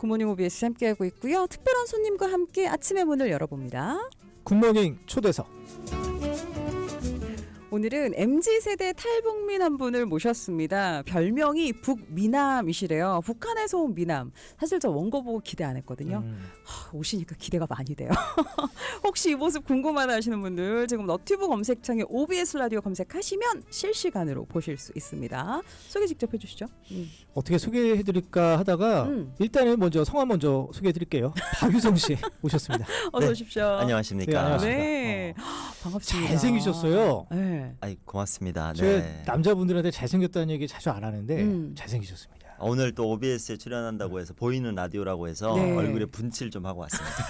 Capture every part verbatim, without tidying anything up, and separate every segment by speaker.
Speaker 1: 굿모닝 오비에스 함께하고 있고요. 특별한 손님과 함께 아침의 문을 열어봅니다.
Speaker 2: 굿모닝 초대석.
Speaker 1: 오늘은 엠지세대 탈북민 한 분을 모셨습니다. 별명이 북미남이시래요. 북한에서 온 미남. 사실 저 원고 보고 기대 안 했거든요.
Speaker 2: 음.
Speaker 1: 하, 오시니까 기대가 많이 돼요. 혹시 이 모습 궁금하다 하시는 분들 지금 너튜브 검색창에 오비에스 라디오 검색하시면 실시간으로 보실 수 있습니다. 소개 직접 해주시죠. 음.
Speaker 2: 어떻게 소개해드릴까 하다가
Speaker 1: 음.
Speaker 2: 일단은 먼저 성함 먼저 소개해드릴게요. 박유성 씨 오셨습니다.
Speaker 1: 어서
Speaker 3: 네.
Speaker 1: 오십시오.
Speaker 3: 안녕하십니까.
Speaker 2: 네, 안녕하십니까.
Speaker 1: 네.
Speaker 2: 어.
Speaker 1: 반갑습니다.
Speaker 2: 잘생기셨어요.
Speaker 1: 네.
Speaker 3: 아이 고맙습니다.
Speaker 2: 제가
Speaker 3: 네.
Speaker 2: 남자분들한테 잘생겼다는 얘기 자주 안 하는데
Speaker 1: 음.
Speaker 2: 잘생기셨습니다.
Speaker 3: 오늘 또 오비에스에 출연한다고 해서 보이는 라디오라고 해서
Speaker 1: 네.
Speaker 3: 얼굴에 분칠 좀 하고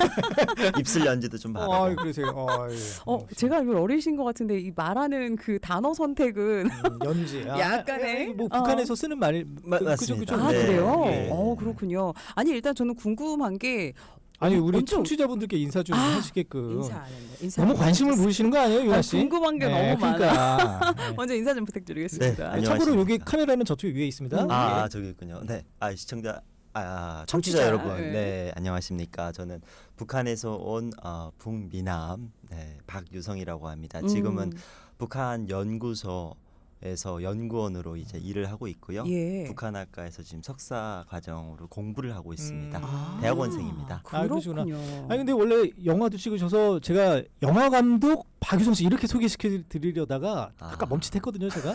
Speaker 3: 왔습니다. 입술 연지도 좀 바르고.
Speaker 2: 아, 그러세요. 어, 예.
Speaker 1: 어, 제가 알기로 어리신 것 같은데 이 말하는 그 단어 선택은
Speaker 2: 음, 연지. 아,
Speaker 1: 약간의,
Speaker 2: 예, 뭐
Speaker 1: 어.
Speaker 2: 북한에서 쓰는 말
Speaker 3: 마-
Speaker 2: 그, 그죠,
Speaker 3: 맞습니다.
Speaker 2: 그죠.
Speaker 1: 아
Speaker 3: 네.
Speaker 1: 그래요?
Speaker 3: 네.
Speaker 1: 어 그렇군요. 아니 일단 저는 궁금한 게
Speaker 2: 아니 우리
Speaker 1: 먼저-
Speaker 2: 청취자분들께 인사 좀
Speaker 1: 아,
Speaker 2: 하시게끔
Speaker 1: 인사 안 했네. 인사
Speaker 2: 너무
Speaker 1: 안
Speaker 2: 관심을
Speaker 1: 해주셨어요.
Speaker 2: 보이시는 거 아니에요, 유아
Speaker 1: 아,
Speaker 2: 씨?
Speaker 1: 궁금한 게 너무 많아.
Speaker 2: 그러니까. 네.
Speaker 1: 먼저 인사 좀 부탁드리겠습니다.
Speaker 3: 네,
Speaker 2: 아,
Speaker 3: 안녕하십니까.
Speaker 2: 참고로 여기 카메라는 저쪽에 위에 있습니다.
Speaker 1: 음.
Speaker 3: 아,
Speaker 2: 예.
Speaker 3: 저기 있군요. 네. 아, 시청자 아,
Speaker 1: 청취자,
Speaker 3: 청취자 여러분.
Speaker 1: 네.
Speaker 3: 네. 안녕하십니까. 저는 북한에서 온 어, 북미남 네, 박유성이라고 합니다. 지금은
Speaker 1: 음.
Speaker 3: 북한 연구소 에서 연구원으로 이제 일을 하고 있고요.
Speaker 1: 예.
Speaker 3: 북한학과에서 지금 석사 과정으로 공부를 하고 있습니다.
Speaker 2: 음.
Speaker 1: 아,
Speaker 3: 대학원생입니다.
Speaker 2: 아, 그러시구나.
Speaker 1: 그렇군요.
Speaker 2: 아니 근데 원래 영화도 찍으셔서 제가 영화 감독 박유성 씨 이렇게 소개시켜 드리려다가
Speaker 3: 아.
Speaker 2: 아까 멈칫했거든요, 제가.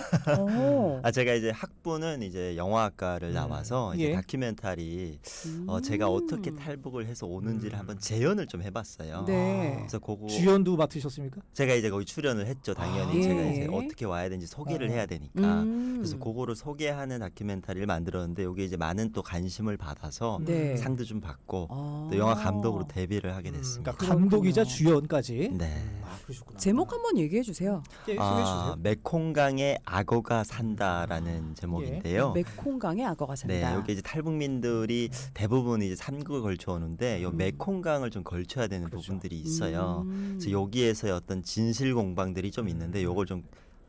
Speaker 1: 어.
Speaker 3: 아 제가 이제 학부는 이제 영화학과를
Speaker 2: 음.
Speaker 3: 나와서 이제
Speaker 2: 예.
Speaker 3: 다큐멘터리
Speaker 1: 음.
Speaker 3: 어, 제가 어떻게 탈북을 해서 오는지를
Speaker 2: 음.
Speaker 3: 한번 재연을 좀 해봤어요.
Speaker 1: 네.
Speaker 3: 그래서 그거
Speaker 2: 주연도 맡으셨습니까?
Speaker 3: 제가 이제 거기 출연을 했죠. 당연히
Speaker 1: 아.
Speaker 3: 제가
Speaker 1: 예.
Speaker 3: 이제 어떻게 와야 되는지 소개를
Speaker 2: 어.
Speaker 3: 해야 되니까.
Speaker 1: 음.
Speaker 3: 그래서 그거를 소개하는 다큐멘터리를 만들었는데 여기 이제 많은 또 관심을 받아서
Speaker 1: 네.
Speaker 3: 상도 좀 받고
Speaker 1: 아.
Speaker 3: 또 영화 감독으로 데뷔를 하게
Speaker 2: 음,
Speaker 3: 됐습니다.
Speaker 2: 그러니까 감독이자
Speaker 1: 그렇군요.
Speaker 2: 주연까지.
Speaker 3: 네.
Speaker 2: 음, 아, 그러셨구나.
Speaker 1: 제목 한번 얘기해 주세요.
Speaker 2: 예, 소개해
Speaker 3: 아,
Speaker 2: 주세요.
Speaker 3: 메콩강에 악어가 산다라는 제목인데요.
Speaker 1: 메콩강에 악어가 산다.
Speaker 3: 네, 여기 이제 탈북민들이 대부분 이제 삼국을 걸쳐 오는데 요
Speaker 1: 음.
Speaker 3: 메콩강을 좀 걸쳐야 되는
Speaker 2: 그렇죠.
Speaker 3: 부분들이 있어요.
Speaker 1: 음.
Speaker 3: 그래서 여기에서의 어떤 진실 공방들이 좀 있는데 요걸 좀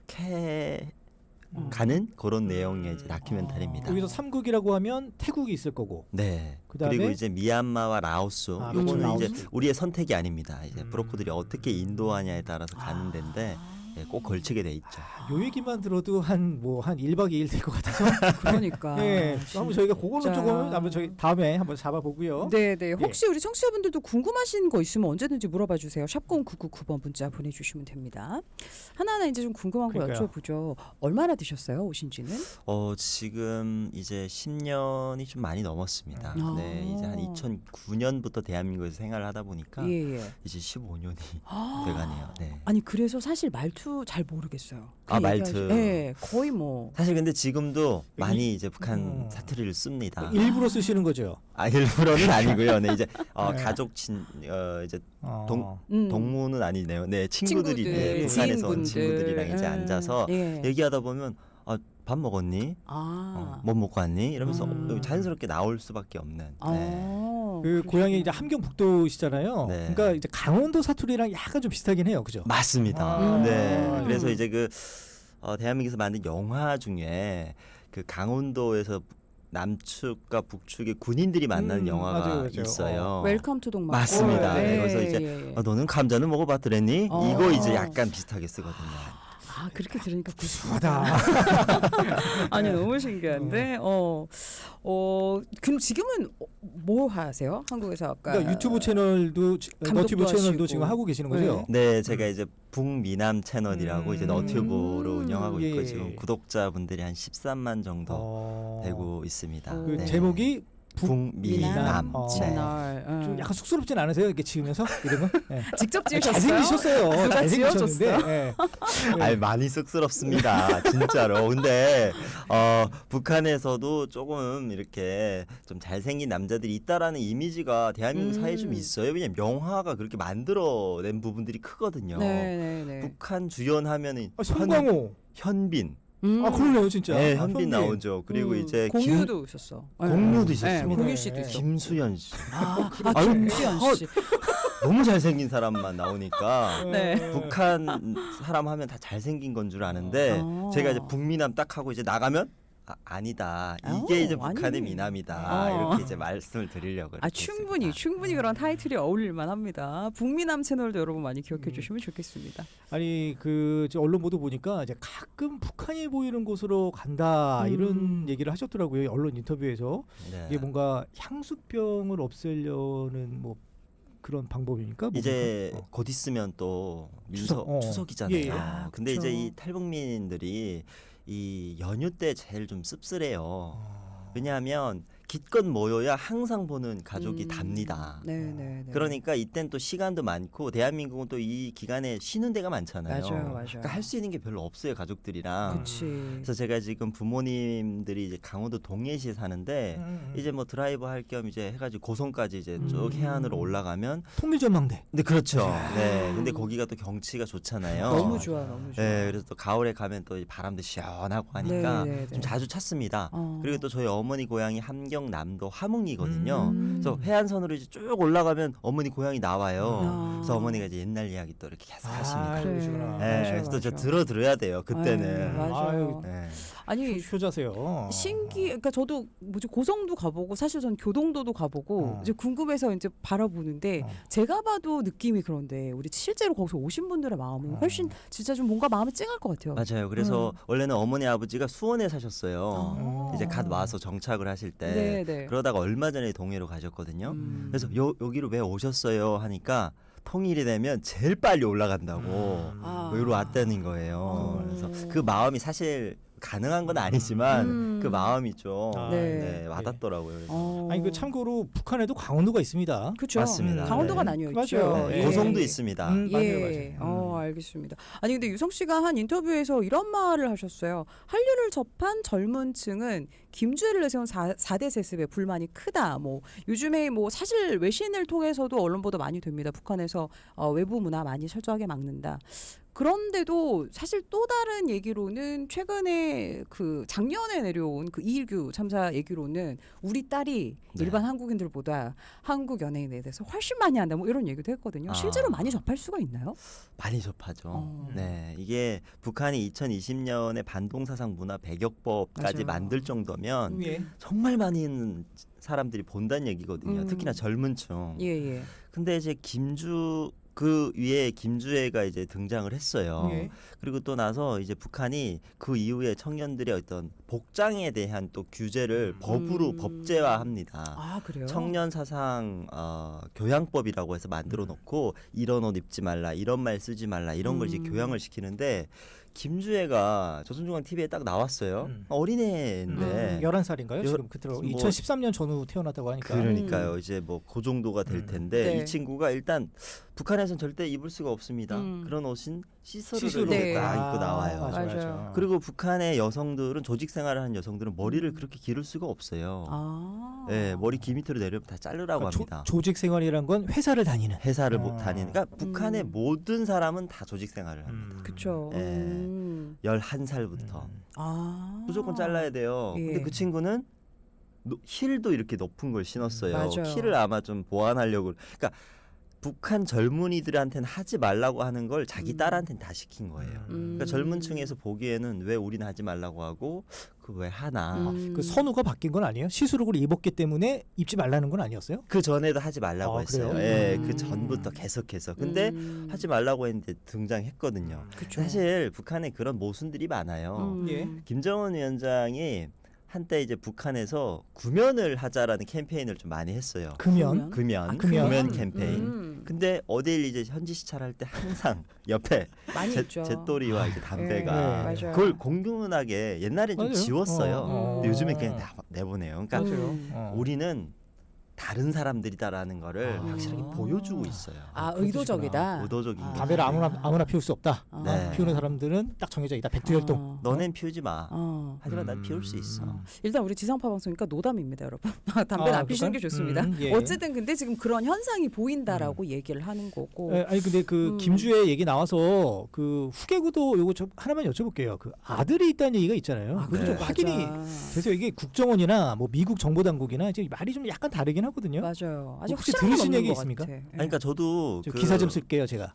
Speaker 3: 캐
Speaker 2: 음.
Speaker 3: 가는 그런 내용의 이제 다큐멘터리입니다.
Speaker 2: 여기서 삼국이라고 하면 태국이 있을 거고.
Speaker 3: 네.
Speaker 2: 그다음에-
Speaker 3: 그리고 이제 미얀마와 라오스.
Speaker 2: 아,
Speaker 1: 그렇죠.
Speaker 3: 요거는 이제
Speaker 2: 라오스.
Speaker 3: 우리의 선택이 아닙니다. 이제
Speaker 2: 음.
Speaker 3: 브로커들이 어떻게 인도하냐에 따라서 가는
Speaker 1: 아.
Speaker 3: 데인데 예, 꼭 걸치게 돼 있죠.
Speaker 2: 요 얘기만 들어도 한 뭐 한 일 박 이 일 될 것 같아서.
Speaker 1: 그러니까.
Speaker 2: 예. 한번 저희가 그걸로
Speaker 1: 진짜.
Speaker 2: 조금 한번 저희 다음에 한번 잡아보고요.
Speaker 1: 네, 네. 혹시 우리 청취자분들도 궁금하신 거 있으면 언제든지 물어봐 주세요. 샵공 구구구 번 문자 보내주시면 됩니다. 하나하나 이제 좀 궁금한 거
Speaker 2: 그러니까요.
Speaker 1: 여쭤보죠. 얼마나 되셨어요, 오신지는?
Speaker 3: 어 지금 이제 십 년이 좀 많이 넘었습니다.
Speaker 1: 아.
Speaker 3: 네, 이제 한 이천구 년부터 대한민국에서 생활을 하다 보니까
Speaker 1: 예, 예.
Speaker 3: 이제 십오 년이
Speaker 1: 아.
Speaker 3: 돼가네요. 네.
Speaker 1: 아니 그래서 사실 말투 잘 모르겠어요. 그
Speaker 3: 아,
Speaker 1: 얘기하시-
Speaker 3: 말투.
Speaker 1: 네, 거의 뭐.
Speaker 3: 사실 근데 지금도 많이 이제 북한
Speaker 2: 음.
Speaker 3: 사투리를 씁니다.
Speaker 2: 일부러 쓰시는 거죠.
Speaker 3: 아 일부러는 아니고요. 네 이제 어,
Speaker 2: 네.
Speaker 3: 가족 친 어, 이제
Speaker 2: 어.
Speaker 3: 동-
Speaker 1: 음.
Speaker 3: 동무는 아니네요. 네 친구들이
Speaker 1: 친구들,
Speaker 3: 네, 북한에서 온
Speaker 1: 지인분들.
Speaker 3: 친구들이랑 이제
Speaker 1: 음,
Speaker 3: 앉아서
Speaker 1: 예.
Speaker 3: 얘기하다 보면 아, 밥 먹었니?
Speaker 1: 아.
Speaker 3: 어, 뭐 먹고 왔니? 이러면서
Speaker 1: 음.
Speaker 3: 여기 자연스럽게 나올 수밖에 없는.
Speaker 1: 아.
Speaker 3: 네.
Speaker 2: 그 고향이 이제 함경북도시잖아요.
Speaker 3: 네.
Speaker 2: 그러니까 이제 강원도 사투리랑 약간 좀 비슷하긴 해요, 그죠?
Speaker 3: 맞습니다.
Speaker 2: 아.
Speaker 3: 네.
Speaker 1: 음.
Speaker 3: 그래서 이제 그 어, 대한민국에서 만든 영화 중에 그 강원도에서 남측과 북측의 군인들이 만나는
Speaker 2: 음,
Speaker 3: 영화가
Speaker 2: 맞아요, 맞아요.
Speaker 3: 있어요.
Speaker 1: 웰컴 투 동막.
Speaker 3: 맞습니다.
Speaker 2: 네,
Speaker 3: 그래서 이제
Speaker 1: 예, 예.
Speaker 3: 아, 너는 감자는 먹어봤더랬니?
Speaker 1: 어.
Speaker 3: 이거 이제 약간 비슷하게 쓰거든요.
Speaker 1: 아 그렇게 들으니까
Speaker 2: 구수하다.
Speaker 1: 아니 너무 신기한데 어, 어 그럼 지금은 어, 뭐 하세요? 한국에서 아까
Speaker 2: 그러니까 유튜브 채널도 지-
Speaker 1: 감독도
Speaker 2: 너튜브 채널도
Speaker 1: 하시고.
Speaker 2: 지금 하고 계시는 거죠?
Speaker 3: 네, 제가 이제 북미남 채널이라고
Speaker 2: 음.
Speaker 3: 이제 너튜브로
Speaker 1: 음.
Speaker 3: 운영하고 있고
Speaker 2: 예.
Speaker 3: 지금 구독자분들이 한 십삼만 정도
Speaker 2: 어.
Speaker 3: 되고 있습니다.
Speaker 1: 그
Speaker 2: 그
Speaker 3: 네.
Speaker 2: 제목이
Speaker 3: 북미남
Speaker 2: 어.
Speaker 1: 채널 어.
Speaker 2: 좀 약간 쑥스럽진 않으세요? 이렇게 지으면서 이름은? 네.
Speaker 1: 직접 지으셨어요?
Speaker 2: 잘생기셨어요.
Speaker 1: 누가
Speaker 2: 잘생기셨는데.
Speaker 1: 지어줬어요?
Speaker 2: 예.
Speaker 3: 아니 많이 쑥스럽습니다. 진짜로. 근데 어, 북한에서도 조금 이렇게 좀 잘생긴 남자들이 있다라는 이미지가 대한민국
Speaker 1: 음.
Speaker 3: 사회에 좀 있어요. 왜냐면 영화가 그렇게 만들어낸 부분들이 크거든요.
Speaker 1: 네네네.
Speaker 3: 북한 주연하면은
Speaker 2: 아, 송강호.
Speaker 3: 현, 빈
Speaker 1: 음.
Speaker 2: 아 그러네요 진짜.
Speaker 3: 네,
Speaker 2: 아,
Speaker 3: 현빈 나오죠. 그리고
Speaker 1: 음.
Speaker 3: 이제 김,
Speaker 1: 공유도 있었어.
Speaker 3: 공유도
Speaker 1: 네,
Speaker 3: 있었습니다.
Speaker 1: 공유 씨도
Speaker 2: 네.
Speaker 1: 있었고.
Speaker 3: 김수현 씨.
Speaker 1: 아, 아
Speaker 3: 아유,
Speaker 1: 김수현 씨.
Speaker 3: 너무 잘생긴 사람만 나오니까
Speaker 1: 네.
Speaker 3: 북한 사람 하면 다 잘생긴 건 줄 아는데
Speaker 1: 아.
Speaker 3: 제가 이제 북미남 딱 하고 이제 나가면 아, 아니다.
Speaker 1: 아우,
Speaker 3: 이게 이제 북한의
Speaker 1: 아니네.
Speaker 3: 미남이다.
Speaker 1: 어.
Speaker 3: 이렇게 이제 말씀을 드리려고.
Speaker 1: 아
Speaker 3: 이렇게
Speaker 1: 충분히
Speaker 3: 했습니다.
Speaker 1: 충분히 그런 타이틀이 어울릴만 합니다. 북미남 채널도 여러분 많이 기억해
Speaker 2: 음.
Speaker 1: 주시면 좋겠습니다.
Speaker 2: 아니 그 저 언론 보도 보니까 이제 가끔 북한이 보이는 곳으로 간다
Speaker 1: 음.
Speaker 2: 이런 얘기를 하셨더라고요. 언론 인터뷰에서.
Speaker 3: 네.
Speaker 2: 이게 뭔가 향수병을 없애려는 뭐 그런 방법입니까? 뭡니까?
Speaker 3: 이제
Speaker 2: 어.
Speaker 3: 곧 있으면 또
Speaker 2: 추석,
Speaker 3: 민석
Speaker 2: 어.
Speaker 3: 추석이잖아요.
Speaker 2: 예, 예.
Speaker 1: 아,
Speaker 3: 근데
Speaker 1: 그쵸.
Speaker 3: 이제 이 탈북민들이 이 연휴 때 제일 좀 씁쓸해요.
Speaker 2: 어.
Speaker 3: 왜냐하면 기껏 모여야 항상 보는 가족이
Speaker 1: 음.
Speaker 3: 답니다.
Speaker 1: 네네.
Speaker 3: 그러니까 이땐 또 시간도 많고 대한민국은 또 이 기간에 쉬는 데가 많잖아요.
Speaker 1: 맞아요, 맞아요.
Speaker 3: 그러니까 할 수 있는 게 별로 없어요 가족들이랑.
Speaker 1: 그치.
Speaker 3: 그래서 제가 지금 부모님들이 이제 강원도 동해시에 사는데
Speaker 2: 음.
Speaker 3: 이제 뭐 드라이브 할 겸 이제 해가지고 고성까지 이제 쭉
Speaker 2: 음.
Speaker 3: 해안으로 올라가면
Speaker 2: 통일전망대.
Speaker 3: 근데 그렇죠. 네. 근데 거기가 또 경치가 좋잖아요.
Speaker 1: 너무 좋아, 너무 좋아.
Speaker 3: 네. 그래서 또 가을에 가면 또 이 바람도 시원하고 하니까
Speaker 1: 네, 네, 네.
Speaker 3: 좀 자주 찾습니다.
Speaker 1: 어.
Speaker 3: 그리고 또 저희 어머니 고향이 함경남도 함흥이거든요.
Speaker 1: 음.
Speaker 3: 그래서 해안선으로 이제 쭉 올라가면 어머니 고향이 나와요.
Speaker 1: 아.
Speaker 3: 그래서 어머니가 이제 옛날 이야기 또 이렇게 계속 하십니다.
Speaker 2: 아,
Speaker 1: 그래.
Speaker 2: 그러시구나.
Speaker 3: 네.
Speaker 1: 맞아,
Speaker 3: 그래서 또 저
Speaker 1: 맞아.
Speaker 3: 들어 들어야 돼요. 그때는.
Speaker 1: 아유, 맞아요.
Speaker 2: 아유.
Speaker 3: 네.
Speaker 1: 아니
Speaker 2: 효자세요.
Speaker 1: 신기, 그러니까 저도 뭐지 고성도 가보고 사실 전 교동도도 가보고
Speaker 2: 어.
Speaker 1: 이제 궁금해서 이제 바라보는데
Speaker 2: 어.
Speaker 1: 제가 봐도 느낌이 그런데 우리 실제로 거기서 오신 분들의 마음은
Speaker 2: 어.
Speaker 1: 훨씬 진짜 좀 뭔가 마음이 찡할 것 같아요.
Speaker 3: 맞아요. 그래서
Speaker 1: 음.
Speaker 3: 원래는 어머니 아버지가 수원에 사셨어요.
Speaker 1: 아.
Speaker 3: 이제 갓 와서 정착을 하실 때
Speaker 1: 네, 네.
Speaker 3: 그러다가 얼마 전에 동해로 가셨거든요.
Speaker 1: 음.
Speaker 3: 그래서 요, 여기로 왜 오셨어요 하니까 통일이 되면 제일 빨리 올라간다고
Speaker 2: 음.
Speaker 1: 아.
Speaker 3: 여기로 왔다는 거예요.
Speaker 1: 어.
Speaker 3: 그래서 그 마음이 사실 가능한 건 아니지만
Speaker 1: 음.
Speaker 3: 그 마음이 좀
Speaker 2: 아,
Speaker 1: 네.
Speaker 3: 네, 와닿더라고요. 그래서
Speaker 1: 어.
Speaker 2: 아니 그 참고로 북한에도 강원도가 있습니다.
Speaker 1: 그쵸.
Speaker 3: 맞습니다.
Speaker 1: 강원도가
Speaker 3: 네.
Speaker 1: 나뉘어
Speaker 2: 맞아요.
Speaker 1: 있죠.
Speaker 3: 네,
Speaker 2: 예.
Speaker 3: 고성도 있습니다.
Speaker 2: 음,
Speaker 1: 예.
Speaker 2: 맞아요, 맞아요.
Speaker 1: 어,
Speaker 2: 음.
Speaker 1: 알겠습니다. 아니 근데 유성 씨가 한 인터뷰에서 이런 말을 하셨어요. 한류를 접한 젊은 층은 김주애를 내세운 사, 대 세습에 불만이 크다. 뭐 요즘에 뭐 사실 외신을 통해서도 언론 보도 많이 됩니다. 북한에서 어, 외부 문화 많이 철저하게 막는다. 그런데도 사실 또 다른 얘기로는 최근에 그 작년에 내려온 그 이일규 참사 얘기로는 우리 딸이
Speaker 3: 네.
Speaker 1: 일반 한국인들보다 한국 연예인에 대해서 훨씬 많이 한다. 뭐 이런 얘기도 했거든요.
Speaker 3: 아.
Speaker 1: 실제로 많이 접할 수가 있나요?
Speaker 3: 많이 접하죠.
Speaker 1: 어.
Speaker 3: 네, 이게 북한이 이천이십 년에 반동사상 문화 배격법까지
Speaker 1: 맞아요.
Speaker 3: 만들 정도면
Speaker 2: 예.
Speaker 3: 정말 많이 있는 사람들이 본다는 얘기거든요.
Speaker 1: 음.
Speaker 3: 특히나 젊은 층.
Speaker 1: 예, 예.
Speaker 3: 근데 이제 김주 그 위에 김주애가 이제 등장을 했어요.
Speaker 2: 예.
Speaker 3: 그리고 또 나서 이제 북한이 그 이후에 청년들의 어떤 복장에 대한 또 규제를 법으로
Speaker 1: 음.
Speaker 3: 법제화합니다.
Speaker 1: 아, 그래요?
Speaker 3: 청년 사상 어, 교양법이라고 해서 만들어 놓고 이런 옷 입지 말라, 이런 말 쓰지 말라 이런 걸 이제
Speaker 1: 음.
Speaker 3: 교양을 시키는데 김주애가 조선중앙 티비에 딱 나왔어요.
Speaker 2: 음.
Speaker 3: 어린애인데
Speaker 1: 음.
Speaker 2: 열한 살인가요?
Speaker 3: 요-
Speaker 2: 지금 그대로
Speaker 3: 뭐-
Speaker 2: 이천십삼 년 전후 태어났다고 하니까.
Speaker 3: 그러니까요. 이제 뭐 그 정도가 될
Speaker 2: 음.
Speaker 3: 텐데
Speaker 1: 네.
Speaker 3: 이 친구가 일단 북한에서는 절대 입을 수가 없습니다.
Speaker 1: 음.
Speaker 3: 그런 옷은 시스루를
Speaker 2: 시스루.
Speaker 1: 네.
Speaker 3: 딱 입고 나와요.
Speaker 2: 맞아, 맞아.
Speaker 1: 맞아요.
Speaker 3: 그리고 북한의 여성들은 조직 생활을 하는 여성들은 머리를
Speaker 1: 음.
Speaker 3: 그렇게 기를 수가 없어요.
Speaker 1: 아.
Speaker 3: 네, 머리 귀 밑으로 내려면 다 자르라고
Speaker 2: 그러니까
Speaker 3: 합니다.
Speaker 2: 조, 조직 생활이란 건 회사를 다니는.
Speaker 3: 회사를
Speaker 2: 아.
Speaker 3: 못 다니니까 북한의
Speaker 1: 음.
Speaker 3: 모든 사람은 다 조직 생활을 합니다.
Speaker 2: 음.
Speaker 1: 그쵸.
Speaker 3: 예.
Speaker 1: 음.
Speaker 3: 열한 살부터
Speaker 2: 음.
Speaker 1: 아.
Speaker 3: 무조건 잘라야 돼요.
Speaker 1: 예.
Speaker 3: 근데 그 친구는 노- 힐도 이렇게 높은 걸 신었어요.
Speaker 1: 맞아요.
Speaker 3: 키를 아마 좀 보완하려고. 그러니까 북한 젊은이들한테는 하지 말라고 하는 걸 자기
Speaker 1: 음.
Speaker 3: 딸한테는 다 시킨 거예요.
Speaker 1: 음.
Speaker 3: 그러니까 젊은 층에서 보기에는 왜 우리는 하지 말라고 하고 그 왜 하나.
Speaker 1: 음.
Speaker 2: 그 선우가 바뀐 건 아니에요? 시스룩을 입었기 때문에 입지 말라는 건 아니었어요?
Speaker 3: 그 전에도 하지 말라고
Speaker 2: 아,
Speaker 3: 했어요.
Speaker 2: 그래요?
Speaker 3: 예,
Speaker 1: 음.
Speaker 3: 그 전부터 계속해서. 근데
Speaker 1: 음.
Speaker 3: 하지 말라고 했는데 등장했거든요.
Speaker 1: 그쵸.
Speaker 3: 사실 북한에 그런 모순들이 많아요.
Speaker 1: 음.
Speaker 2: 예.
Speaker 3: 김정은 위원장이 한때 이제 북한에서 구면을 하자라는 캠페인을 좀 많이 했어요.
Speaker 2: 금연.
Speaker 3: 금연,
Speaker 2: 아, 금연.
Speaker 3: 금연 캠페인.
Speaker 1: 음.
Speaker 3: 근데 어딜 이제 현지 시찰할 때 항상 옆에
Speaker 1: 많이
Speaker 3: 제,
Speaker 1: 있죠.
Speaker 3: 잿더리와 이제 담배가
Speaker 2: 네,
Speaker 1: 맞아요.
Speaker 3: 그걸 공공연하게 옛날엔 좀
Speaker 2: 맞아요.
Speaker 3: 지웠어요.
Speaker 2: 어, 어.
Speaker 3: 근데 요즘엔 그냥 다 내보내요. 그러니까
Speaker 2: 맞아요.
Speaker 1: 음.
Speaker 2: 어.
Speaker 3: 우리는 다른 사람들이다라는 거를
Speaker 2: 아.
Speaker 3: 확실하게 보여주고 있어요.
Speaker 1: 아,
Speaker 2: 그렇구나.
Speaker 1: 의도적이다.
Speaker 3: 의도적인
Speaker 1: 아.
Speaker 3: 거죠.
Speaker 2: 담배를 아무나 아무나 피울 수 없다.
Speaker 1: 아.
Speaker 3: 네.
Speaker 2: 피우는 사람들은 딱 정해져 있다. 백두혈통.
Speaker 1: 어.
Speaker 3: 너넨 피우지 마.
Speaker 1: 어.
Speaker 3: 하지만 난
Speaker 2: 음.
Speaker 3: 피울 수 있어.
Speaker 1: 일단 우리 지상파 방송이니까 노담입니다, 여러분. 담배는
Speaker 2: 아,
Speaker 1: 안 피시는 게
Speaker 2: 그럴까요?
Speaker 1: 좋습니다.
Speaker 2: 음, 예.
Speaker 1: 어쨌든 근데 지금 그런 현상이 보인다라고 얘기를 하는 거고.
Speaker 2: 예, 아니 근데 그
Speaker 1: 음.
Speaker 2: 김주애 얘기 나와서 그 후계구도 요거 저 하나만 여쭤볼게요. 그 아들이 있다는 얘기가 있잖아요.
Speaker 1: 아,
Speaker 2: 그게 좀
Speaker 3: 네.
Speaker 2: 확인이
Speaker 1: 맞아.
Speaker 2: 돼서 이게 국정원이나 뭐 미국 정보 당국이나 이제 말이 좀 약간 다르긴 하거든요.
Speaker 1: 맞아요. 아직
Speaker 2: 혹시
Speaker 1: 확실한 건
Speaker 2: 들으신
Speaker 1: 없는
Speaker 2: 얘기
Speaker 1: 것
Speaker 2: 있습니까?
Speaker 1: 같아. 예.
Speaker 3: 아니, 그러니까 저도
Speaker 2: 저
Speaker 3: 그,
Speaker 2: 기사 좀 쓸게요 제가.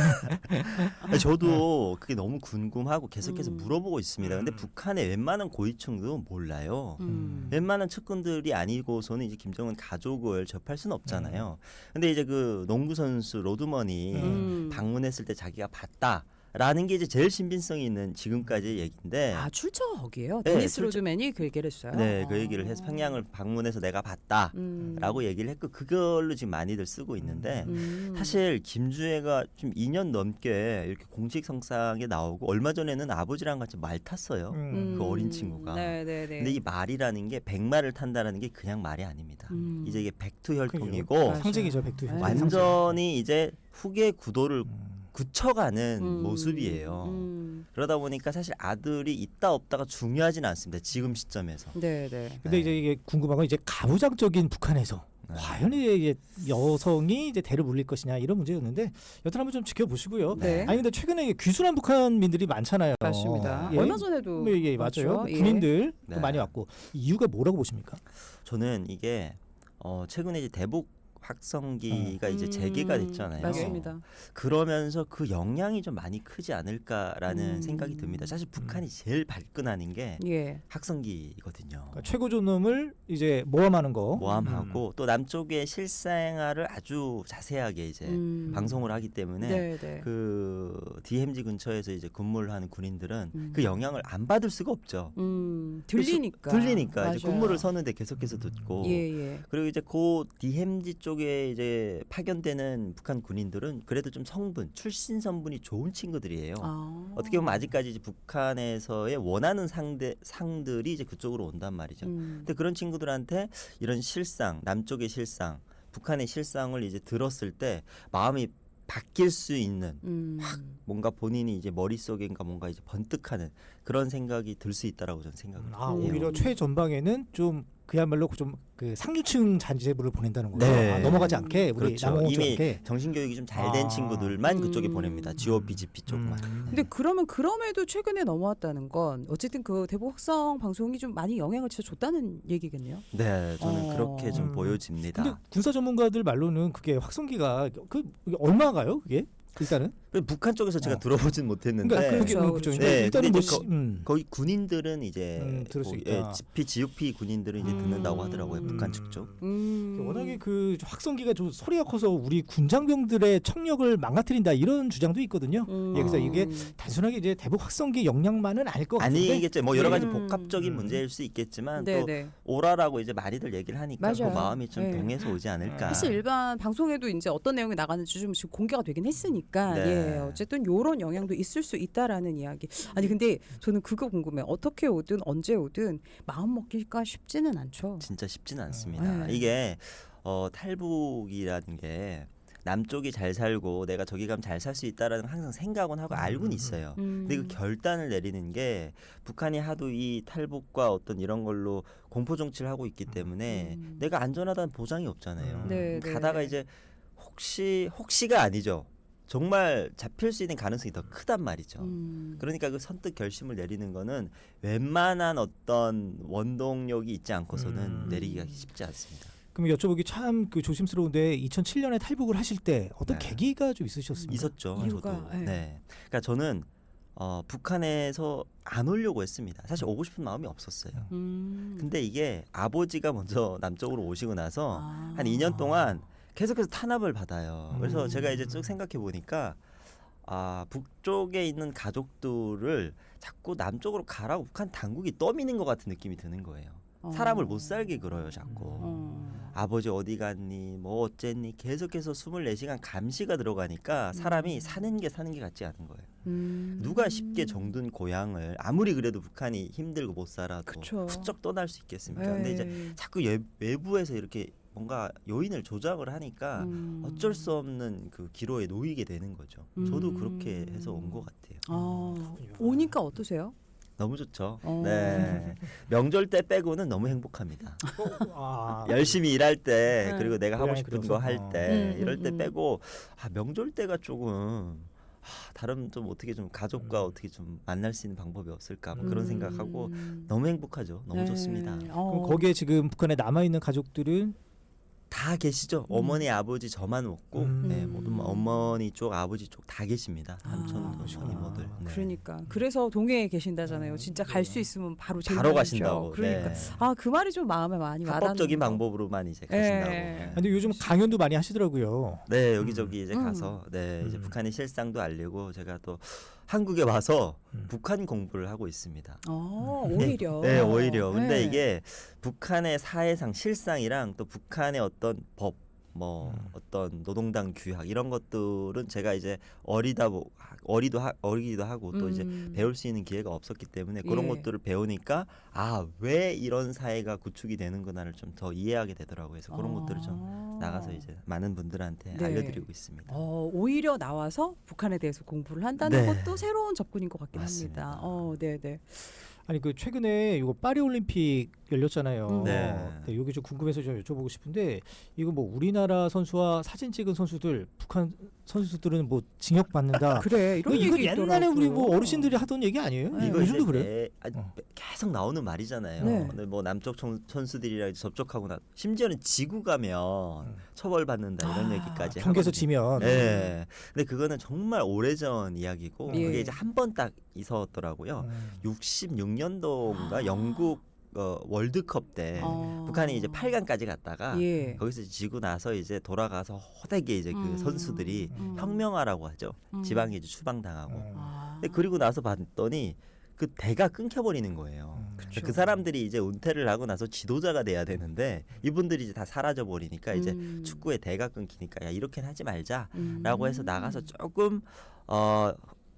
Speaker 3: 아니, 저도 그게 너무 궁금하고 계속해서
Speaker 1: 음.
Speaker 3: 물어보고 있습니다. 근데
Speaker 2: 음.
Speaker 3: 북한의 웬만한 고위층도 몰라요.
Speaker 1: 음.
Speaker 3: 웬만한 측근들이 아니고서는 이제 김정은 가족을 접할 수는 없잖아요. 근데 이제 그 농구 선수 로드먼이
Speaker 1: 음.
Speaker 3: 방문했을 때 자기가 봤다라는 게 이제 제일 신빙성이 있는 지금까지의 얘기인데,
Speaker 1: 아 출처가 거기에요.
Speaker 3: 네,
Speaker 1: 데니스
Speaker 3: 출처-
Speaker 1: 로드맨이 그 얘기를 했어요.
Speaker 3: 네, 그
Speaker 1: 아.
Speaker 3: 얘기를 해서 평양을 방문해서 내가 봤다라고
Speaker 1: 음.
Speaker 3: 얘기를 했고 그걸로 지금 많이들 쓰고 있는데.
Speaker 1: 음.
Speaker 3: 사실 김주애가 좀 이 년 넘게 이렇게 공식 성상에 나오고 얼마 전에는 아버지랑 같이 말 탔어요.
Speaker 2: 음.
Speaker 3: 그 어린 친구가.
Speaker 1: 네네네.
Speaker 3: 근데 이 말이라는 게 백마를 탄다라는 게 그냥 말이 아닙니다.
Speaker 1: 음.
Speaker 3: 이제 이게 백투혈통이고
Speaker 1: 맞아요.
Speaker 2: 상징이죠 백두.
Speaker 1: 네.
Speaker 3: 완전히 이제 후계 구도를
Speaker 2: 음.
Speaker 3: 굳혀가는
Speaker 1: 음.
Speaker 3: 모습이에요.
Speaker 1: 음.
Speaker 3: 그러다 보니까 사실 아들이 있다 없다가 중요하진 않습니다. 지금 시점에서.
Speaker 1: 네네.
Speaker 2: 근데 이제 이게 궁금한 건 이제 가부장적인 북한에서
Speaker 3: 네.
Speaker 2: 과연 이제 여성이 이제 대를 물릴 것이냐 이런 문제였는데 여튼 한번 좀 지켜보시고요.
Speaker 1: 네.
Speaker 2: 아니 근데 최근에 이게 귀순한 북한민들이 많잖아요.
Speaker 1: 맞습니다.
Speaker 2: 예.
Speaker 1: 얼마 전에도
Speaker 2: 예, 예,
Speaker 1: 맞죠?
Speaker 2: 맞아요.
Speaker 1: 예.
Speaker 2: 군인들 도
Speaker 3: 네.
Speaker 2: 많이 왔고 이유가 뭐라고 보십니까?
Speaker 3: 저는 이게 어 최근에 이제 대북 확성기가 이제
Speaker 1: 음,
Speaker 3: 재개가 됐잖아요.
Speaker 1: 맞습니다.
Speaker 3: 그러면서 그 영향이 좀 많이 크지 않을까라는
Speaker 1: 음.
Speaker 3: 생각이 듭니다. 사실 북한이 제일 발끈하는 게
Speaker 1: 예.
Speaker 3: 확성기거든요.
Speaker 2: 그러니까 최고조 놈을 이제 모함하는 거.
Speaker 3: 모함하고 또 남쪽의 실생활을 아주 자세하게 이제
Speaker 1: 음.
Speaker 3: 방송을 하기 때문에
Speaker 1: 네네.
Speaker 3: 그 디엠지 근처에서 이제 근무를 하는 군인들은
Speaker 1: 음.
Speaker 3: 그 영향을 안 받을 수가 없죠.
Speaker 1: 음. 들리니까.
Speaker 3: 들리니까 이제
Speaker 1: 맞아요.
Speaker 3: 근무를 서는데 계속해서 듣고
Speaker 1: 예예.
Speaker 3: 그리고 이제 그 디엠지 쪽에 이제 파견되는 북한 군인들은 그래도 좀 성분, 출신 성분이 좋은 친구들이에요.
Speaker 1: 아.
Speaker 3: 어떻게 보면 아직까지 이제 북한에서의 원하는 상대 상들이 이제 그쪽으로 온단 말이죠.
Speaker 1: 음.
Speaker 3: 근데 그런 친구들한테 이런 실상, 남쪽의 실상, 북한의 실상을 이제 들었을 때 마음이 바뀔 수 있는
Speaker 1: 음.
Speaker 3: 뭔가 본인이 이제 머릿속인가 뭔가 이제 번뜩하는 그런 생각이 들 수 있다라고 저는 생각을 해요.
Speaker 2: 아
Speaker 1: 음.
Speaker 2: 오히려 최전방에는 좀 그야말로 좀 그 상류층 잔재부를 보낸다는 거죠.
Speaker 3: 네.
Speaker 2: 아, 넘어가지 않게 우리
Speaker 3: 그렇죠.
Speaker 2: 남아오지
Speaker 3: 이미
Speaker 2: 않게.
Speaker 3: 정신교육이 좀 잘 된
Speaker 2: 아.
Speaker 3: 친구들만 그쪽에
Speaker 1: 음.
Speaker 3: 보냅니다. 지오피, 지피 쪽만.
Speaker 2: 음.
Speaker 1: 근데 그러면 그럼에도 최근에 넘어왔다는 건 어쨌든 그 대북 확성 방송이 좀 많이 영향을 진짜 줬다는 얘기겠네요.
Speaker 3: 네, 저는
Speaker 1: 어.
Speaker 3: 그렇게 좀
Speaker 2: 음.
Speaker 3: 보여집니다.
Speaker 2: 근데 군사 전문가들 말로는 그게 확성기가 그 이게 얼마가요? 그게 일단은.
Speaker 3: 근데 북한 쪽에서 제가
Speaker 2: 어.
Speaker 3: 들어보진 못했는데
Speaker 2: 그러니까 그게
Speaker 1: 그렇죠,
Speaker 2: 음, 그렇죠.
Speaker 1: 그렇죠.
Speaker 3: 네,
Speaker 2: 일단은
Speaker 3: 근데
Speaker 2: 뭐
Speaker 3: 이제
Speaker 2: 시,
Speaker 3: 거-
Speaker 2: 음.
Speaker 3: 거기 군인들은 이제
Speaker 2: 음, 들을 수
Speaker 3: 뭐,
Speaker 2: 있다.
Speaker 3: 예, 지피, 지오피 군인들은 이제 듣는다고 하더라고요.
Speaker 1: 음.
Speaker 3: 북한 측 쪽.
Speaker 1: 음.
Speaker 2: 워낙에 그 확성기가 좀 소리가 커서 우리 군장병들의 청력을 망가뜨린다 이런 주장도 있거든요.
Speaker 1: 음.
Speaker 2: 예, 그래서 이게 단순하게 이제 대북 확성기 역량만은 아닐 것 같은데.
Speaker 3: 아니겠죠. 뭐 여러 가지
Speaker 1: 음.
Speaker 3: 복합적인
Speaker 2: 음.
Speaker 3: 문제일 수 있겠지만 또
Speaker 1: 네네.
Speaker 3: 오라라고 이제 많이들 얘기를 하니까 그
Speaker 1: 맞아요.
Speaker 3: 마음이 좀
Speaker 1: 네.
Speaker 3: 동해서 오지 않을까.
Speaker 1: 사실 일반 방송에도 이제 어떤 내용이 나가는지 좀 지금 공개가 되긴 했으니까
Speaker 3: 네.
Speaker 1: 예 어쨌든 요런 영향도 있을 수 있다라는 이야기. 아니 근데 저는 그거 궁금해. 어떻게 오든 언제 오든 마음 먹기가 쉽지는 않죠.
Speaker 3: 진짜 쉽지는 않습니다.
Speaker 1: 네.
Speaker 3: 이게 어, 탈북이라는 게 남쪽이 잘 살고 내가 저기 가면 잘 살 수 있다라는 항상 생각은 하고 알고는 있어요.
Speaker 1: 음.
Speaker 3: 근데 그 결단을 내리는 게 북한이 하도 이 탈북과 어떤 이런 걸로 공포 정치를 하고 있기 때문에
Speaker 1: 음.
Speaker 3: 내가 안전하다는 보장이 없잖아요.
Speaker 1: 네, 네,
Speaker 3: 가다가
Speaker 1: 네.
Speaker 3: 이제 혹시 혹시가 아니죠. 정말 잡힐 수 있는 가능성이 더 크단 말이죠.
Speaker 1: 음.
Speaker 3: 그러니까 그 선뜻 결심을 내리는 거는 웬만한 어떤 원동력이 있지 않고서는
Speaker 2: 음.
Speaker 3: 내리기가 쉽지 않습니다.
Speaker 2: 그럼 여쭤보기 참 그 조심스러운데 이천칠 년에 탈북을 하실 때 어떤
Speaker 3: 네.
Speaker 2: 계기가 좀 있으셨습니까?
Speaker 3: 있었죠.
Speaker 1: 이유가,
Speaker 3: 저도.
Speaker 1: 예.
Speaker 3: 네. 그러니까 저는 어, 북한에서 안 오려고 했습니다. 사실 오고 싶은 마음이 없었어요.
Speaker 1: 음.
Speaker 3: 근데 이게 아버지가 먼저 남쪽으로 오시고 나서
Speaker 1: 아.
Speaker 3: 한 이 년 동안 계속해서 탄압을 받아요. 그래서
Speaker 2: 음.
Speaker 3: 제가 이제 쭉 생각해 보니까 아 북쪽에 있는 가족들을 자꾸 남쪽으로 가라고 북한 당국이 떠미는 것 같은 느낌이 드는 거예요. 사람을 못 살게 그러요 자꾸.
Speaker 1: 어.
Speaker 3: 아버지 어디 갔니 뭐 어쨌니 계속해서 스물네 시간 감시가 들어가니까 사람이
Speaker 1: 음.
Speaker 3: 사는 게 사는 게 같지 않은 거예요.
Speaker 1: 음.
Speaker 3: 누가 쉽게 정든 고향을 아무리 그래도 북한이 힘들고 못 살아도
Speaker 1: 그쵸.
Speaker 3: 훌쩍 떠날 수 있겠습니까?
Speaker 1: 에이.
Speaker 3: 근데 이제 자꾸 예, 외부에서 이렇게 뭔가 요인을 조작을 하니까
Speaker 1: 음.
Speaker 3: 어쩔 수 없는 그 기로에 놓이게 되는 거죠. 저도
Speaker 1: 음.
Speaker 3: 그렇게 해서 온 것 같아요.
Speaker 1: 아, 오니까 어떠세요?
Speaker 3: 너무 좋죠.
Speaker 1: 어.
Speaker 3: 네. 명절 때 빼고는 너무 행복합니다.
Speaker 2: 아,
Speaker 3: 열심히 일할 때
Speaker 1: 네.
Speaker 3: 그리고 내가 하고
Speaker 2: 고향에
Speaker 3: 싶은
Speaker 2: 들어서.
Speaker 3: 거 할 때
Speaker 1: 음,
Speaker 3: 이럴
Speaker 1: 음,
Speaker 3: 때
Speaker 1: 음.
Speaker 3: 빼고 아, 명절 때가 조금 아, 다른 좀 어떻게 좀 가족과
Speaker 2: 음.
Speaker 3: 어떻게 좀 만날 수 있는 방법이 없을까 뭐 그런
Speaker 1: 음.
Speaker 3: 생각하고 너무 행복하죠. 너무
Speaker 1: 네.
Speaker 3: 좋습니다.
Speaker 1: 어.
Speaker 2: 그럼 거기에 지금 북한에 남아 있는 가족들은
Speaker 3: 다 계시죠. 어머니 아버지 저만 없고
Speaker 2: 음.
Speaker 3: 네, 모든 어머니 쪽 아버지 쪽 다 계십니다. 삼촌
Speaker 1: 아,
Speaker 3: 이모들. 네.
Speaker 1: 그러니까 그래서 동해에 계신다잖아요. 진짜 갈 수 있으면 바로 제일
Speaker 3: 바로
Speaker 1: 먼저.
Speaker 3: 가신다고.
Speaker 1: 그러니까
Speaker 3: 네.
Speaker 1: 아 그 말이 좀 마음에 많이 와닿는
Speaker 3: 합법적인
Speaker 1: 거.
Speaker 3: 방법으로만 이제 가신다고.
Speaker 1: 예.
Speaker 3: 네.
Speaker 2: 근데 요즘 강연도 많이 하시더라고요.
Speaker 3: 네 여기저기 이제
Speaker 1: 음.
Speaker 3: 가서 네 이제
Speaker 2: 음.
Speaker 3: 북한의 실상도 알리고 제가 또 한국에 와서
Speaker 2: 음.
Speaker 3: 북한 공부를 하고 있습니다.
Speaker 1: 어, 오히려.
Speaker 3: 네 오히려. 근데
Speaker 1: 네.
Speaker 3: 이게 북한의 사회상 실상이랑 또 북한의 어떤 법, 뭐
Speaker 2: 음.
Speaker 3: 어떤 노동당 규약 이런 것들은 제가 이제 어리다 보 어리도 하, 어리기도 하고 또 이제
Speaker 1: 음.
Speaker 3: 배울 수 있는 기회가 없었기 때문에 그런
Speaker 1: 예.
Speaker 3: 것들을 배우니까 아 왜 이런 사회가 구축이 되는구나를 좀 더 이해하게 되더라고요. 그래서 그런 것들을 좀
Speaker 1: 아.
Speaker 3: 나가서 이제 많은 분들한테
Speaker 1: 네.
Speaker 3: 알려드리고 있습니다.
Speaker 1: 어, 오히려 나와서 북한에 대해서 공부를 한다는
Speaker 3: 네.
Speaker 1: 것도 새로운 접근인 것 같긴
Speaker 3: 맞습니다.
Speaker 1: 합니다. 어, 네, 네.
Speaker 2: 아니 그 최근에 이거 파리 올림픽 열렸잖아요.
Speaker 1: 음.
Speaker 3: 네.
Speaker 2: 네, 여기 좀 궁금해서 좀 여쭤보고 싶은데 이거 뭐 우리나라 선수와 사진 찍은 선수들 북한 선수들은 뭐 징역 받는다.
Speaker 1: 그래 이런
Speaker 2: 이거
Speaker 1: 얘기
Speaker 2: 옛날에 우리 뭐
Speaker 1: 있더라고요.
Speaker 2: 어르신들이 하던 얘기 아니에요?
Speaker 1: 네.
Speaker 3: 이거
Speaker 2: 요즘도
Speaker 3: 이제
Speaker 2: 그래?
Speaker 3: 매- 아,
Speaker 2: 어.
Speaker 3: 계속 나오는 말이잖아요.
Speaker 1: 네.
Speaker 3: 근데 뭐 남쪽 청- 선수들이랑 이제 접촉하고 나 심지어는 지구 가면
Speaker 2: 음.
Speaker 3: 처벌받는다 이런
Speaker 1: 아,
Speaker 3: 얘기까지
Speaker 2: 경기에서
Speaker 3: 하거든요.
Speaker 2: 지면.
Speaker 3: 네. 근데 그거는 정말 오래전 이야기고
Speaker 1: 예.
Speaker 3: 그게 이제 한 번 딱 있었더라고요.
Speaker 2: 음.
Speaker 3: 육십육 년도인가
Speaker 1: 아.
Speaker 3: 영국 어, 월드컵 때
Speaker 1: 어.
Speaker 3: 북한이 이제 팔 강까지 갔다가
Speaker 1: 예.
Speaker 3: 거기서 지고 나서 이제 돌아가서 호되게 이제 그
Speaker 1: 음.
Speaker 3: 선수들이
Speaker 1: 음.
Speaker 3: 혁명화라고 하죠.
Speaker 1: 음.
Speaker 3: 지방에 이제 추방당하고.
Speaker 2: 음.
Speaker 1: 아.
Speaker 3: 근데 그리고 나서 봤더니 그 대가 끊겨버리는 거예요.
Speaker 2: 음.
Speaker 3: 그그 사람들이 이제 은퇴를 하고 나서 지도자가 돼야 되는데 이분들이 이제 다 사라져 버리니까 이제
Speaker 1: 음.
Speaker 3: 축구의 대가 끊기니까 야 이렇게는 하지 말자라고
Speaker 1: 음.
Speaker 3: 해서 나가서 조금 어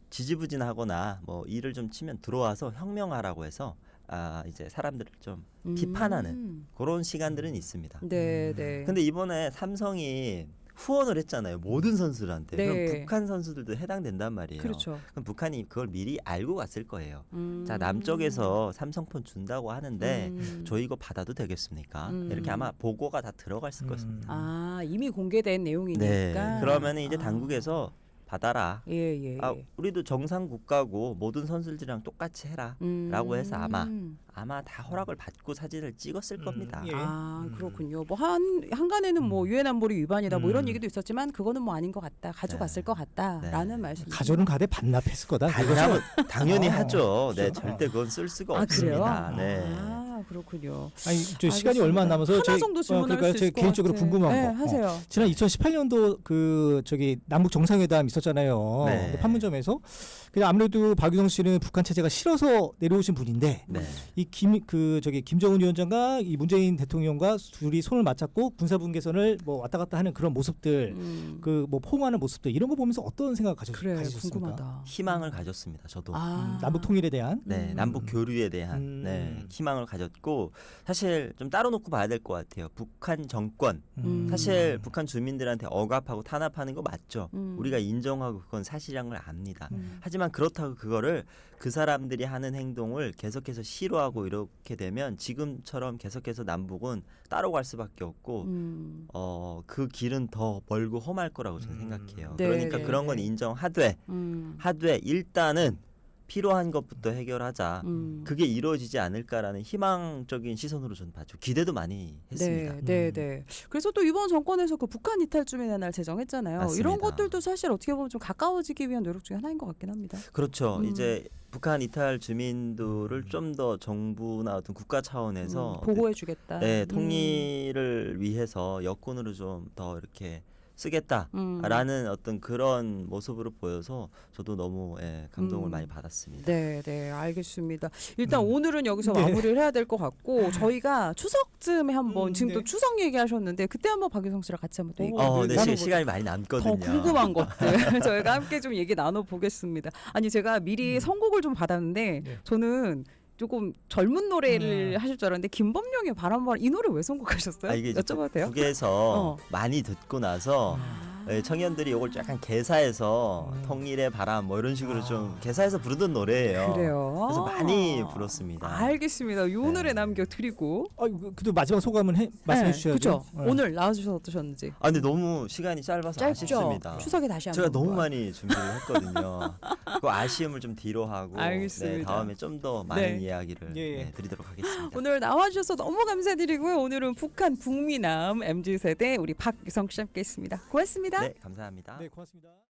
Speaker 3: 지지부진하거나 뭐 일을 좀 치면 들어와서 혁명하라고 해서 아 이제 사람들을 좀 비판하는
Speaker 1: 음.
Speaker 3: 그런 시간들은 있습니다.
Speaker 1: 네, 네.
Speaker 3: 근데 이번에 삼성이 후원을 했잖아요. 모든 선수들한테.
Speaker 1: 네.
Speaker 3: 그럼 북한 선수들도 해당된단 말이에요.
Speaker 1: 그렇죠.
Speaker 3: 그럼 북한이 그걸 미리 알고 갔을 거예요.
Speaker 1: 음.
Speaker 3: 자 남쪽에서 삼성폰 준다고 하는데
Speaker 1: 음.
Speaker 3: 저 이거 받아도 되겠습니까?
Speaker 1: 음.
Speaker 3: 이렇게 아마 보고가 다 들어갔을
Speaker 2: 음.
Speaker 3: 것입니다.
Speaker 1: 아 이미 공개된 내용이니까.
Speaker 3: 네, 그러면 이제
Speaker 1: 아.
Speaker 3: 당국에서 받아라.
Speaker 1: 예, 예.
Speaker 3: 아, 우리도 정상 국가고 모든 선수들이랑 똑같이 해라.
Speaker 1: 음.
Speaker 3: 라고 해서 아마 아마 다 허락을 받고 사진을 찍었을
Speaker 2: 음,
Speaker 3: 겁니다.
Speaker 2: 예.
Speaker 1: 아
Speaker 2: 음.
Speaker 1: 그렇군요. 뭐 한 한간에는 뭐 유엔 안보리 위반이다 뭐 이런
Speaker 2: 음.
Speaker 1: 얘기도 있었지만 그거는 뭐 아닌 것 같다. 가져갔을
Speaker 3: 네.
Speaker 1: 것 같다라는
Speaker 3: 네.
Speaker 1: 말씀.
Speaker 2: 가져는 가대 반납했을 거다.
Speaker 3: 당연히, 당연히
Speaker 2: 어,
Speaker 3: 하죠. 네,
Speaker 2: 그렇죠.
Speaker 3: 절대 그건 쓸 수가
Speaker 1: 아 그래요?
Speaker 3: 없습니다. 네.
Speaker 1: 아 그렇군요.
Speaker 2: 아니 저 시간이
Speaker 1: 알겠습니다.
Speaker 2: 얼마 안 남아서
Speaker 1: 하나
Speaker 2: 제-
Speaker 1: 정도
Speaker 2: 어,
Speaker 1: 질문할
Speaker 2: 그러니까
Speaker 1: 수
Speaker 2: 제
Speaker 1: 있을 것
Speaker 2: 개인적으로
Speaker 1: 같아.
Speaker 2: 궁금한
Speaker 1: 네,
Speaker 2: 거. 어.
Speaker 1: 하세요.
Speaker 2: 지난 이천십팔 년도 그 저기 남북 정상회담 있었잖아요.
Speaker 3: 네.
Speaker 2: 근데 판문점에서. 근데 아무래도 박유성 씨는 북한 체제가 싫어서 내려오신 분인데
Speaker 3: 네.
Speaker 2: 이 김 그 저기 김정은 위원장과 이 문재인 대통령과 둘이 손을 맞잡고 군사분 개선을 뭐 왔다 갔다 하는 그런 모습들,
Speaker 1: 음.
Speaker 2: 그 뭐 포옹하는 모습들 이런 거 보면서 어떤 생각 가졌,
Speaker 1: 그래
Speaker 2: 가지셨습니까?
Speaker 1: 궁금하다.
Speaker 3: 희망을 가졌습니다. 저도.
Speaker 1: 아
Speaker 2: 음, 남북 통일에 대한.
Speaker 3: 네,
Speaker 1: 음.
Speaker 3: 남북 교류에 대한
Speaker 2: 음.
Speaker 3: 네, 희망을 가졌고 사실 좀 따로 놓고 봐야 될 것 같아요. 북한 정권
Speaker 1: 음.
Speaker 3: 사실 북한 주민들한테 억압하고 탄압하는 거 맞죠.
Speaker 1: 음.
Speaker 3: 우리가 인정하고 그건 사실이란 걸 압니다.
Speaker 1: 음.
Speaker 3: 하지만 그렇다고 그거를 그 사람들이 하는 행동을 계속해서 싫어하고 이렇게 되면 지금처럼 계속해서 남북은 따로 갈 수밖에 없고
Speaker 1: 음.
Speaker 3: 어, 그 길은 더 멀고 험할 거라고 저는
Speaker 2: 음.
Speaker 3: 생각해요.
Speaker 1: 네,
Speaker 3: 그러니까
Speaker 1: 네,
Speaker 3: 그런 건
Speaker 1: 네.
Speaker 3: 인정하되
Speaker 1: 음.
Speaker 3: 하되 일단은 필요한 것부터 해결하자.
Speaker 1: 음.
Speaker 3: 그게 이루어지지 않을까라는 희망적인 시선으로 저는 봤죠. 기대도 많이 했습니다.
Speaker 1: 네, 네,
Speaker 2: 음.
Speaker 1: 네. 그래서 또 이번 정권에서 그 북한 이탈 주민의 날 제정했잖아요.
Speaker 3: 맞습니다.
Speaker 1: 이런 것들도 사실 어떻게 보면 좀 가까워지기 위한 노력 중에 하나인 것 같긴 합니다.
Speaker 3: 그렇죠.
Speaker 1: 음.
Speaker 3: 이제 북한 이탈 주민들을 좀 더 정부나 어떤 국가 차원에서
Speaker 1: 음, 보호해주겠다.
Speaker 3: 네, 통일을 위해서 여권으로 좀 더 이렇게 쓰겠다라는
Speaker 1: 음.
Speaker 3: 어떤 그런 모습으로 보여서 저도 너무 예, 감동을
Speaker 1: 음.
Speaker 3: 많이 받았습니다.
Speaker 1: 네, 네, 알겠습니다. 일단
Speaker 2: 음.
Speaker 1: 오늘은 여기서
Speaker 2: 네.
Speaker 1: 마무리를 해야 될 것 같고 저희가 추석쯤에 한번
Speaker 2: 음,
Speaker 1: 지금 또
Speaker 2: 네.
Speaker 1: 추석 얘기하셨는데 그때 한번 박유성 씨랑 같이 한번 또 얘기
Speaker 3: 어, 네, 시,
Speaker 1: 나눠보도록
Speaker 3: 시간이 많이 남거든요.
Speaker 1: 더 궁금한 것들 저희가 함께 좀 얘기 나눠보겠습니다. 아니 제가 미리
Speaker 2: 음.
Speaker 1: 선곡을 좀 받았는데
Speaker 2: 네.
Speaker 1: 저는 조금 젊은 노래를
Speaker 2: 음.
Speaker 1: 하실 줄 알았는데 김범룡의 바람바람 이 노래 왜 선곡하셨어요?
Speaker 3: 아, 이게 이제
Speaker 1: 여쭤봐도 돼요?
Speaker 3: 북에서
Speaker 1: 어.
Speaker 3: 많이 듣고 나서
Speaker 1: 아.
Speaker 3: 네, 청년들이 이걸 약간 개사해서
Speaker 2: 음.
Speaker 3: 통일의 바람 뭐 이런 식으로
Speaker 2: 아.
Speaker 3: 좀 개사해서 부르던 노래예요.
Speaker 1: 그래요.
Speaker 3: 그래서 많이 불렀습니다.
Speaker 1: 알겠습니다. 요 노래
Speaker 3: 네.
Speaker 1: 남겨드리고.
Speaker 2: 아, 그래도 마지막 소감은 해, 말씀해 주셔야죠.
Speaker 1: 그죠? 오늘 나와주셔서 어떠셨는지.
Speaker 3: 아 근데 너무 시간이 짧아서
Speaker 1: 짧죠?
Speaker 3: 아쉽습니다.
Speaker 1: 추석에 다시 한번.
Speaker 3: 제가 너무 많이 준비를 했거든요. 그 아쉬움을 좀 뒤로 하고
Speaker 1: 알겠습니다.
Speaker 3: 네, 다음에 좀 더 많은
Speaker 1: 네.
Speaker 3: 이야기를
Speaker 2: 예, 예.
Speaker 3: 네, 드리도록 하겠습니다.
Speaker 1: 오늘 나와주셔서 너무 감사드리고요. 오늘은 북한 북미남 엠지 세대 우리 박유성 씨 함께했습니다. 고맙습니다.
Speaker 3: 네, 감사합니다.
Speaker 2: 네, 고맙습니다.